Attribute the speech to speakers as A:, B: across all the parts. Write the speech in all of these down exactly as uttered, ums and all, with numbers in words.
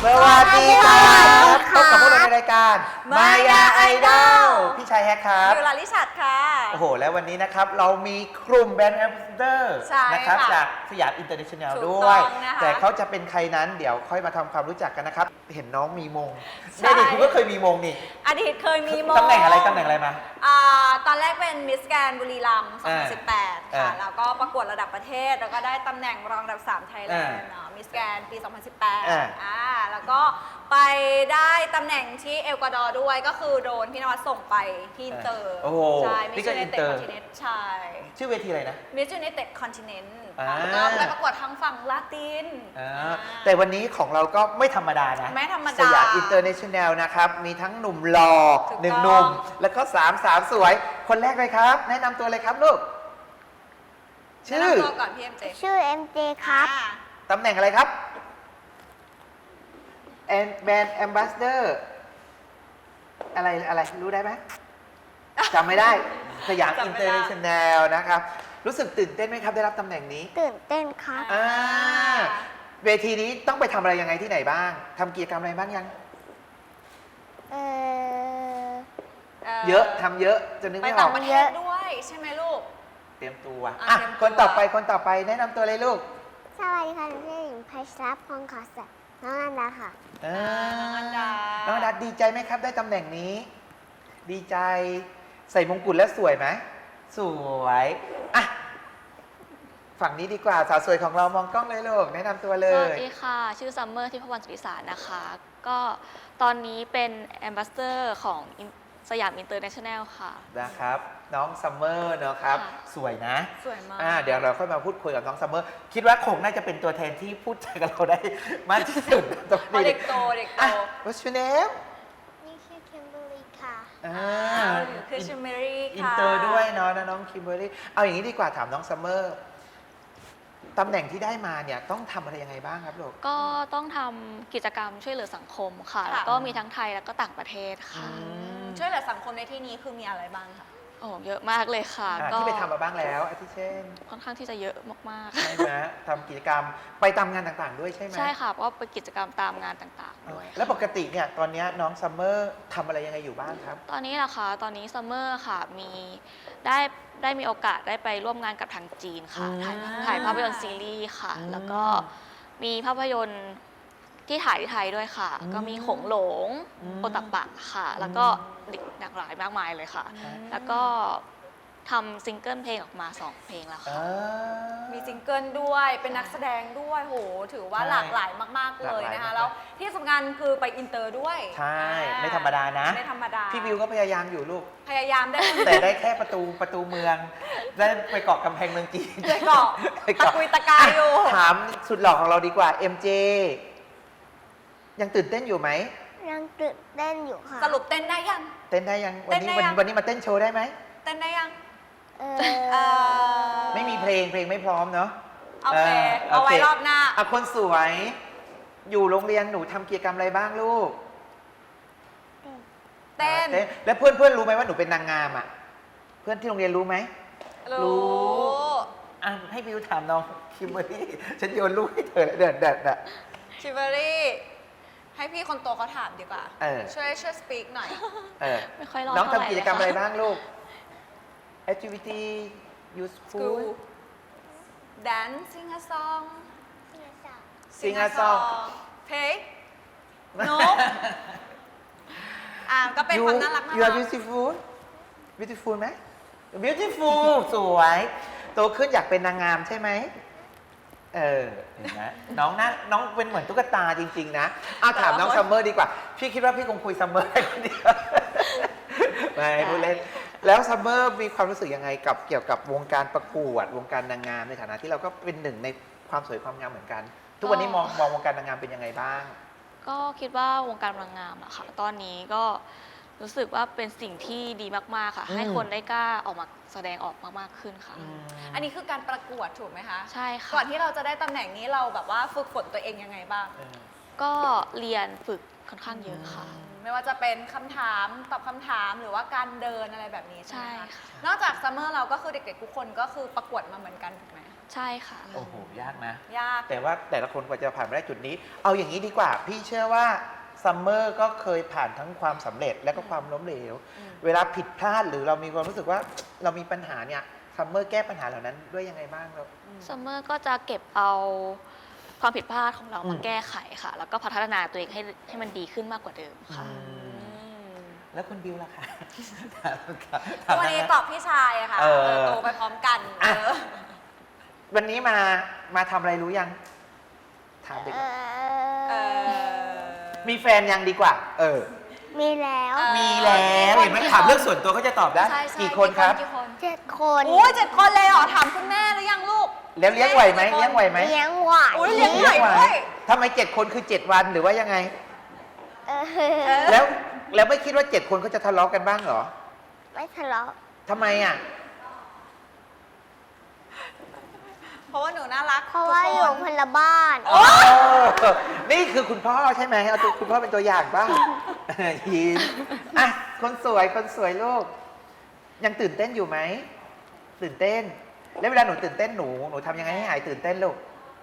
A: สวัสดีครับพบกับพวกเราในรายการมายาไอดอลพี่ชายแฮกครับ
B: อยู่ลาลิชัดค่ะ
A: โอ้โหแล้ววันนี้นะครับเรามีกลุ่มแบรนด์แอมบาสเดอร์นะครับจากสยามอินเตอร์เนชั่นแนลด้วยแต่เขาจะเป็นใครนั้นเดี๋ยวค่อยมาทำความรู้จักกันนะครับเห็นน้องมีมงในอดีตคุณก็เคยมีมงนี่
B: อดีตเคยมีมง
A: ตำแหน่งอะไรตำแหน่งอะไรมา
B: อ่าตอนแรกเป็นมิสแกรนด์บุรีรัมย์สองพันสิบแปดค่ะแล้วก็ประกวดระดับประเทศแล้วก็ได้ตำแหน่งรองอันดับสามไทยแลนด์มิสแกรนด์ปีสองพันสิบแปดอ่าแล้วก็ไปได้ตำแหน่งที่เอลกวาดอร์ด้วยก็คือโดนพี่นวัดส่งไปที่อินเตอร์ใช่มิสยูเนเต็ดคอนติเนนต์ใช่
A: ชื่อเวทีอะไรนะ
B: มิสยูเนเต็ดคอนติเนนต์แล้วก็ไปประกวดทางฝั่งลาติน
A: แต่วันนี้ของเราก็ไม่ธรรมดานะ
B: ไม่ธรรมดา
A: สยามอินเตอร์เนชั่นแนลนะครับมีทั้งหนุ่มหล่อหนึ่งหนุ่มแล้วก็สามสาวสวยคนแรกเลยครับแนะนำตัวเลยครับลูกชื่อ
B: ก่อนพี่เอ็มเจ
C: ชื่อ เอ็ม เจ ครับ
A: ตำแหน่งอะไรครับแอนแบรนด์แอมบาสเดอร์อะไรอะไรรู้ได้ไหมจำไม่ได้สยามอินเตอร์เนชั่นแนลนะครับรู้สึกตื่นเต้นไหมครับได้รับตำแหน่งนี้
C: ตื่นเต้นครับ
A: อ่าเวทีนี้ต้องไปทำอะไรยังไงที่ไหนบ้างทำกิจกรรมอะไรบ้างยัง
C: เออ
A: เยอะทำเยอะจนนึกไม่ออก
B: ไปต่างประเทศด้วยใช่ไหมลูก
A: เตรียมตัวอ่ะคนต่อไปคนต่อไปแนะนำตัวเลยลูก
C: สวัสดีค่ะชื่อหญิงไพศาลพงศ์ขอสัตย์น้องอันดาค่ะ
A: น้องอันดาน้องอันดาดีใจไหมครับได้ตำแหน่งนี้ ดีใจใส่มงกุฎแล้วสวยไหมสวยอ่ะฝั่งนี้ดีกว่าสาวสวยของเรามองกล้องเลยลูกแนะนำตัวเลย
D: สวัสดีค่ะชื่อซัมเมอร์ที่พวันสุริสารนะคะก็ตอนนี้เป็นแอมบาสเดอร์ของสยามอินเตอร์เนชั่นแนลค่ะ
A: นะครับน้องซัมเมอร์เนาะครับสวยนะ
B: สวยมาก
A: อ่าเดี๋ยวเราค่อยมาพูดคุยกับน้องซัมเมอร์คิดว่าคงน่าจะเป็นตัวแทนที่พูดกับเราได้มากที่สุดตรงนี้
B: เด็กโตเด็กโต
A: What's your name
C: นี่ชื่อคิมเบอร์รี่ค่ะ
A: อ่า
B: คือคิมเบอรี่ค่ะ
A: อินเตอร์ด้วยเนาะน้องคิมเบอรี่เอาอย่างนี้ดีกว่าถามน้องซัมเมอร์ตำแหน่งที่ได้มาเนี่ยต้องทำอะไรยังไงบ้างครับลูก
D: ก็ต้องทำกิจกรรมช่วยเหลือสังคมค่ะแล้วก็มีทั้งไทยแล้วก็ต่างประเทศค่ะ
B: ช่วยเหลือสังคมในที่นี้คือมีอะไรบ้างคะ
D: โอ้เยอะมากเลยค่ะ
A: ก็ที่ไปทำมาบ้างแล้วอาทิเช่น
D: ค่อนข้างที่จะเยอะมาก
A: ๆใช่ไหมทำกิจกรรมไปตามงานต่างๆด้วยใช่ไหม
D: ใช่ค่ะเพราะว่าไปกิจกรรมตามงานต่างๆด้วย
A: แล้วปกติเนี่ยตอนนี้น้องซัมเมอร์ทำอะไรยังไงอยู่บ้างครับ
D: ตอนนี้นะคะตอนนี้ซัมเมอร์ค่ะมีได้ได้มีโอกาสได้ไปร่วมงานกับทางจีนค่ะถ่ายถ่ายภาพยนตร์ซีรีส์ค่ะแล้วก็มีภาพยนตร์ที่ถ่ายที่ไทยด้วยค่ะก็มีหงหลงโอตับปะค่ะแล้วก็หลากหลายมากมายเลยค่ะแล้วก็ทำซิงเกิลเพลงออกมาสองเพลงแล้วค่ะ
B: มีซิงเกิลด้วยเป็นนักแสดงด้วยโหถือว่าหลากหลายมากๆเลยนะคะแล้วที่สำคัญคือไปอินเตอร์ด้วย
A: ใช่ไม่ธรรมดานะ
B: ไม่ธรรมดา
A: พี่วิวก็พยายามอยู่ลูก
B: พยายามได้
A: แต่ได้แค่ประตูประตูเมืองได้ไปเกาะกำแพงเมืองจีน
B: ไปเกาะตะกุยตะกายอยู่
A: ถามสุดหล่อของเราดีกว่า เอ็ม เจ ยังตื่นเต้นอยู่ไหม
C: ยังตื่นเต้นอยู่ค่ะ
B: สรุปเต้นได้ยัง
A: เต้นได้ยังวันนี้วันนี้มาเต้นโชว์ได้ไหม
B: เต้นได้ยัง
A: ไม่มีเพลงเพลงไม่พร้อมเนาะ
B: โอเคเอาไว้รอบหน้า
A: อ่ะคนสวยอยู่โรงเรียนหนูทำกิจกรรมอะไรบ้างลูก
B: เต้น
A: แล้วเพื่อนเพื่อนรู้ไหมว่าหนูเป็นนางงามอ่ะเพื่อนที่โรงเรียนรู้ไหม
B: รู้
A: อ่ะให้บิวถามน้องคิมเบอรี่ฉันโยนลูกให้เธอเด็ดเด็ดอ่ะ
B: คิมเบอรี่ให้พี่คนโตเขาถามดีกว่าช่วยช่วยสปีกหน่อย
D: ไม่ค่อยรอ
A: น้องทำกิจกรรมอะไรบ้างลูกactivity useful
B: dance sing a song
A: sing a song
B: play no อ่าก็เป็นความน่ารักน่ารัก
A: you are beautiful beautiful ไหม beautiful สวยโตขึ้นอยากเป็นนางงามใช่ไหมเออเห็นไหมน้องน่าน้องเป็นเหมือนตุ๊กตาจริงๆนะเอาถามน้องซัมเมอร์ดีกว่าพี่คิดว่าพี่คงคุยซัมเมอร์ได้คนเดียวไม่พูดเล่นแล้วซัมเมอร์มีความรู้สึกยังไงกับเกี่ยวกับวงการประกวดวงการนางงามในฐานะที่เราก็เป็นหนึ่งในความสวยความงามเหมือนกันทุกวันนี้มองมองวงการนางงามเป็นยังไงบ้าง
D: ก็คิดว่าวงการนางงามอะค่ะตอนนี้ก็รู้สึกว่าเป็นสิ่งที่ดีมากๆค่ะให้คนได้กล้าออกมาแสดงออกมากๆขึ้นค่ะ
B: อันนี้คือการประกวดถูกไหมคะ
D: ใช่ค่ะ
B: ก่อนที่เราจะได้ตำแหน่งนี้เราแบบว่าฝึกฝนตัวเองยังไงบ้าง
D: ก็เรียนฝึกค่อนข้างเยอะค่ะ
B: ไม่ว่าจะเป็นคำถามตอบคำถามหรือว่าการเดินอะไรแบบนี้ใช่
D: ใช่
B: ไหมคะ
D: ค่ะ
B: นอกจากซัมเมอร์เราก็คือเด็กๆทุกคนก็คือประกวดมาเหมือนกันถูกไหม
D: ใช่ค่ะ
A: โอ้โห ยากนะ
B: ยาก
A: แต่ว่าแต่ละคนกว่าจะผ่านมาได้จุดนี้ เอาอย่างนี้ดีกว่า พี่เชื่อว่าซัมเมอร์ก็เคยผ่านทั้งความสำเร็จและก็ความล้มเหลว
B: อืม
A: เวลาผิดพลาดหรือเรามีความรู้สึกว่าเรามีปัญหาเนี่ยซัมเมอร์แก้ปัญหาเหล่านั้นด้วยยังไงบ้างครับ
D: ซัมเมอร์ก็จะเก็บเอาความผิดพลาดของเรา
A: อื
D: มาม แก้ไขค่ะ แล้วก็พัฒนาตัวเองให้ให้มันดีขึ้นมากกว่าเดิมค่ะ
A: อืม
B: อืม
A: แล้วคุณบิวล่ะคะ
B: ก็วันนี้ตอบพี่ชายอะค่ะ
A: เออ
B: เออโตไปพร้อมกัน
A: อ่ะ
B: เออ
A: วันนี้มามาทำอะไรรู้ยัง ถามเด็ก
C: เอ
B: เอ
C: อ
B: อ
A: มีแฟนยังดีกว่า เออ
C: มีแล้ว
B: เออ
A: มีแล้วเห็นไหมถามเรื่องส่วนตัวเขาจะตอบได้
B: ใช่ใช่
A: กี่คนครับ
B: กี่คน
C: เจ็ดคน
B: โอ้ยเจ็ดคนเลยเหรอถามคุณแม่หรือยังลูก
A: แล้วเลี้ยงไหวไหมเลี้ยงไหวไหม
C: เลี้ยงไหว
B: อุ๊ยเลี้ยงไหว ด้วย
A: ทำไมเจ็ดคนคือเจ็ดวันหรือว่ายังไง
C: เอ
B: เอ
C: อ
B: อ
A: แล้วแล้วไม่คิดว่าเจ็ดคนเขาจะทะเลาะกันบ้างเหรอ
C: ไม่ทะเลาะ
A: ทำไมอ่ะ
B: เพราะว่าหนูน่ารัก
C: เพราะว่า
B: ทุก
C: อยู่
B: คน
C: คนละบ้าน
A: โอ้นี่คือคุณพ่อใช่ไหมเอาตัวคุณพ่อเป็นตัวอย่างบ้าง ยิ้มอ่ะคนสวยคนสวยลูก ยังตื่นเต้นอยู่ไหมตื่นเต้น แล้วเวลาหนูตื่นเต้นหนูหนูทำยังไงให้หายตื่นเต้นลูก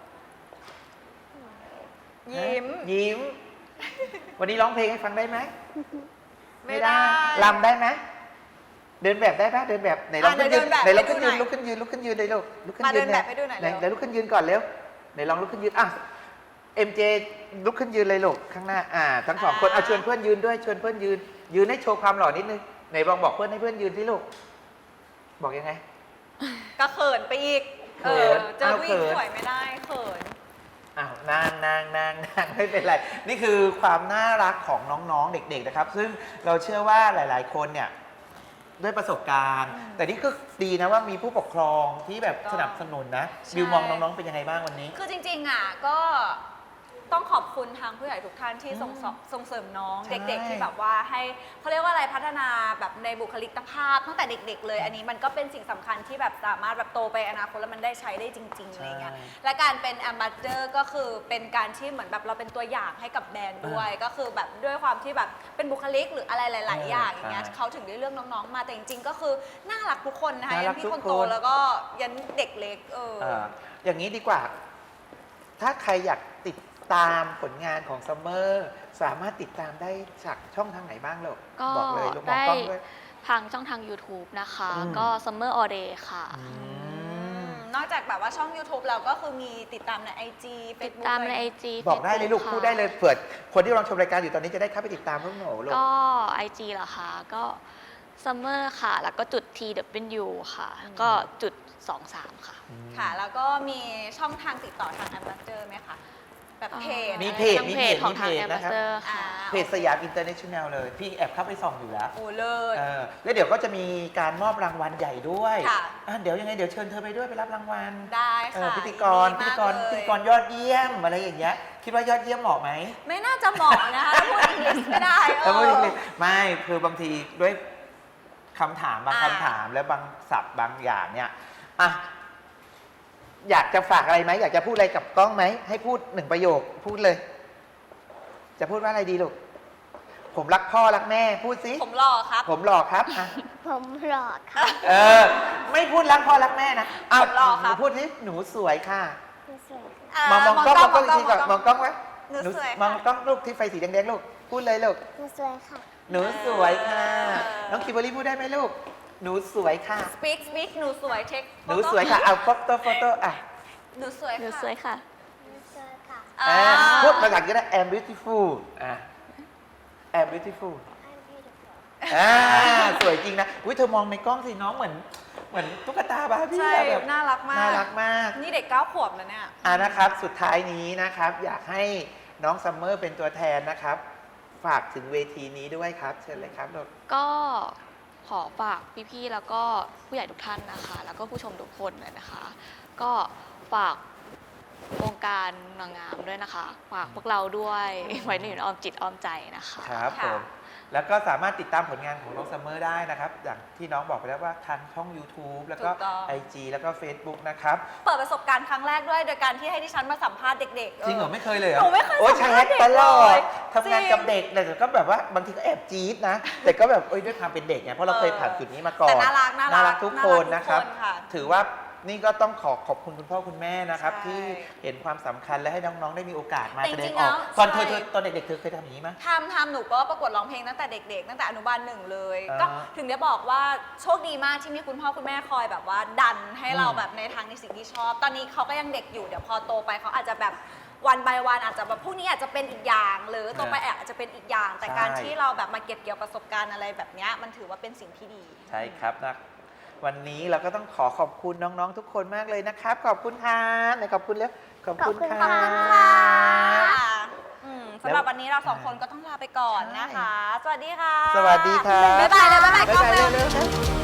B: ยิ้ม
A: ยิ้ม วันนี้ร้องเพลงให้ฟังได้ไหม
B: ไม่ได้
A: ลำได้ไหมเดินแบบได้ปะเดินแบบไหนลอง
B: อ่ะ
A: ขึ้นยืน
B: เดินแบบ
A: ไหนลองขึ้น
B: ให้ดู
A: ยืน
B: หน่อย
A: ลุกขึ้นยืนลุกขึ้นยืนเลยลูกลุกขึ้น
B: มา
A: ยืน
B: เดินแบบให้ดูหน่อย
A: ไหน
B: เร็ว
A: ไหนลุกขึ้นยืนก่อนเร็วไหนลองลุกขึ้นยืนอ่ะเอ็มเจลุกขึ้นยืนเลยลูกข้างหน้าอ่าทั้งสองคนเอาชวนเพื่อนยืนด้วยชวนเพื่อนยืน ยืนให้โชว์ความหล่อนิดนึงไหนลองบอกเพื่อนให้เพื่อนยืนที่ลูกบอกยังไง
B: ก็เขินไปอีก
A: เขิ
B: เอน อเจอ
A: เอา
B: ผู้หญิง
A: เขิน
B: สวยไม่ได้เขิน
A: อ้าวนางนางนางนางไม่เป็นไร นี่คือความน่ารักของน้องๆ เด็กๆนะครับ ซึ่งเราเชื่อว่าหลายๆ คนเนี่ยด้วยประสบการณ์ แต่นี่ก็ดีนะว่ามีผู้ปกครองที่แบบ
B: ก็
A: สนับสนุนนะ
B: ใช่
A: บิวมองน้องๆ เป็นยังไงบ้างวันนี้
B: คือจริงๆอ่ะก็ต้องขอบคุณทางผู้ใหญ่ทุกท่านที่ส่งสส่งเสริมน้อง
A: ใช่
B: เด็ก ๆ ที่แบบว่าให้เขาเรียกว่าอะไรพัฒนาแบบในบุคลิกภาพตั้งแต่เด็ก ๆ เลย อันนี้มันก็เป็นสิ่งสำคัญที่แบบสามารถแบบโตไปอนาคตแล้วมันได้ใช้ได้จริงๆอะไรเงี้ยและการเป็นแอมบาสเดอร์ก็คือเป็นการที่เหมือนแบบเราเป็นตัวอย่างให้กับแบรนด์ด้วย ก็คือแบบด้วยความที่แบบเป็นบุคลิกหรืออะไรหลาย ๆ อย่างอย่างเงี้ยเขาถึงได้เลือกน้องๆมาแต่จริงๆก็คือน่ารักทุกคนนะคะ
A: น่า
B: ยั
A: รั
B: น
A: ก
B: พี่
A: ทุก
B: คนโต
A: คน
B: แล้วก็ยันเด็กเล็กเออ
A: เอ่ออย่างนี้ดีกว่า ถ้าใครอยากติดตามผลงานของซัมเมอร์สามารถติดตามได้จากช่องทางไหนบ้างลูก
D: ก็
A: บอกเลยลูกมอง
D: ได้
A: กล้องด้วย
D: ทางช่องทาง YouTube นะคะ
A: อืม
D: ก็ Summer All Day ค่ะ
A: อืม
B: นอกจากแบบว่าช่อง YouTube เราก็คือมีติดตามใน ไอ จี
D: ติด
B: Facebook
D: ตามใน
B: ะร
D: ไอ
B: อย่างเงี้ย
D: จี
A: บอกได้เลยลูกพูดได้เลยเผื่อคนที่กำลังชมรายการอยู่ตอนนี้จะได้เข้าไปติดตามพวกหนูลูก
D: ก็ ไอ จี เหรอคะก็ Summer ค่ะ แล้วก็จุด ที ดับเบิลยู ค่ะ ก็จุดสองสามค่ะ
B: ค่ะ แล้วก็มีช่องทางติดต่อทางแอมบาสเดอร์ไหมคะ แบบเพจ
A: มี
B: อะไร
A: เพจ
D: ทาง
A: มี
D: เพ
A: เพ
D: จ
A: จ
D: ของทาง
A: มีเพจ
D: แอม
A: นะครับ
D: บาสเดอร์
B: อ่า
D: ค่ะ
A: เพจสยามอินเตอร์เนชั่นแนลเลย พี่แอบเข้าไปส่องอยู่แล้ว
B: โอ้เลิศ
A: เออแล้วเดี๋ยวก็จะมีการมอบรางวัลใหญ่ด้วย
B: ค่ะ
A: อ่ะเดี๋ยวยังไงเดี๋ยวเชิญเธอไปด้วยไปรับรางวัล
B: ได้
A: เออ
B: ค่ะ
A: พิธีกร
B: ยิ
A: พิ
B: นดี
A: ธีกร
B: มา
A: พิ
B: เล
A: ธี
B: ย
A: กรยอดเยี่ยมอะไรอย่างเงี้ยคิดว่ายอดเยี่ยมเหมาะไหม
B: ไม่น่าจะเหมาะนะคะถ้าพูดอังกฤษไม่ได้เอ
A: แล้วก็
B: อ
A: ไม่คือบางทีด้วยคำถามบาง
B: อ่า
A: คำถามและบางศัพท์บางอย่างเนี่ยอ่ะอยากจะฝากอะไรไหมอยากจะพูดอะไรกับกล้องไหมให้พูดหนึ่งประโยคพูดเลย จะพูดว่าอะไรดีลูกผมรักพ่อรักแม่พูดสิ
B: ผมหล่อครับ
A: ผมหล่อครับอ่ะ
C: ผมหลอดค่ะ
A: เออ ไม่พูดรักพ่อรักแม่นะอ้าว
B: ผมหล่อครับ
A: หนูพูดสิหนูสวยค่ะ
C: สวย
B: าม
A: องมองกล้องมองกล้อง
B: ม
A: ทีก่อนมองกล้องไว้
B: หนูสวย
A: มอง
B: ค่ะ
A: กล้องลูกที่ไฟสีแดงๆลูกพูดเลยลูก
C: หนูสวยค่ะ
A: หนูสวยค่ะ
B: เออ
A: น้องคิมเบอรรี่พูดได้ไหมลูก หนูสวยค่ะ
B: speak speak หนูสวยเช็ค
A: หนูสวยค่ะเอาโฟโต้โฟโต้อ่ะ
B: หนูสวย
D: หนู
B: ค่ะ
D: สวยค่ะ
C: หนูสวยค่ะ
B: อ่า
A: อ่าพูดภาษาอังกฤษได้ I'm beautiful อ่ะ I'm beautiful
C: I'm beautiful
A: อ่าสวยจริงนะอุ้ยเธอมองในกล้องสิน้องเหมือนเหมือนตุ๊กตาบาร์บี้
B: ใช่
A: อะแบบ
B: น่ารักมาก
A: น่ารักมาก
B: นี่เด็กเก้าขวบแล้วเนี่ย
A: อ่านะครับสุดท้ายนี้นะครับ อยากให้น้องซัมเมอร์เป็นตัวแทนนะครับ ฝากถึงเวทีนี้ด้วยครับ เชิญเลยครับลูก
D: ก็ขอฝากพี่ๆ แล้วก็ผู้ใหญ่ทุกท่านนะคะ แล้วก็ผู้ชมทุกคนเลยนะคะ ก็ฝากวงการนางงามด้วยนะคะ ฝากพวกเราด้วย ไว้ในอ้อมจิตอ้อมใจนะคะ
A: ครับผมแล้วก็สามารถติดตามผลงานของน้องซัมเมอร์ได้นะครับ อย่างที่น้องบอกไปแล้วว่าทางช่อง YouTube แล้วก็
B: ถูกต้อง
A: ไอ จี แล้วก็ Facebook นะครับ
B: เปิดประสบการณ์ครั้งแรกด้วยโดยการที่ให้ดิฉันมาสัมภาษณ์เด็กๆ
A: จริงเหรอ ไม่เคยเลยเหร
B: หนูไม่เคย
A: โอ้ย
B: สั
A: ใช้
B: ม
A: แฮ
B: ภาษ
A: ก
B: ณ์เด็ก
A: ตลอ
B: เล
A: ด
B: ย
A: ทำงานกับเด็กแต่ก็แบบว่าบางทีก็แอบจี๊ดนะ แต่ก็แบบเอ้ยด้วยความเป็นเด็กไงเพราะเราเคยผ่านจุดนี้มาก่อน
B: แต่น่ารักน่ารัก
A: น่ารักทุกคนนะครับ
B: น่ารักทุกคนค่ะ
A: ถือว่านี่ก็ต้องขอขอบคุณคุณพ่อคุณแม่นะครับ
B: ใช่
A: ที่เห็นความสำคัญและให้น้องๆได้มีโอกาสมา
B: แต่
A: แสด
B: จริ
A: ง
B: งๆ
A: ออก
B: แล้ว
A: ตอนเธอ
B: ใช่
A: เธอตอนเด็กๆเธอเคยทำอย่างนี้ไหม
B: ทำทำหนูก็ประกวดร้องเพลงตั้งแต่เด็กๆ ตั้งแต่อนุบาลหนึ่งเลย
A: อ่า
B: ก็ถึงได้บอกว่าโชคดีมากที่มีคุณพ่อคุณแม่คอยแบบว่าดันให้เรา
A: อืม
B: แบบในทางในสิ่งที่ชอบ ตอนนี้เขาก็ยังเด็กอยู่เดี๋ยวพอโตไปเขาอาจจะแบบวันไปวันอาจจะแบบพวกนี้อาจจะเป็นอีกอย่าง หรือโตไปอาจจะเป็นอีกอย่าง แต่
A: ใช่
B: การที่เราแบบมาเก็บเกี่ยวประสบการณ์อะไรแบบเนี้ยมันถือว่าเป็นสิ่งที่ดี
A: ใช่ครับนะวันนี้เราก็ต้องขอขอบคุณน้องๆทุกคนมากเลยนะครับ ขอบคุณค่ะไหนขอบคุณแล้วขอบคุณ
C: ขอบคุณ
A: ค่ะ
C: ค่ะ
B: อืมสำหรับวันนี้เราสองคนก็ต้องลาไปก่อนนะคะ สวัสดีค่ะ
A: สวัสดีค่ะ
B: บ๊ายบายเลยบ๊ายบายกล้อง
A: บ๊ายบาย
B: เร็ว
A: เร็วๆ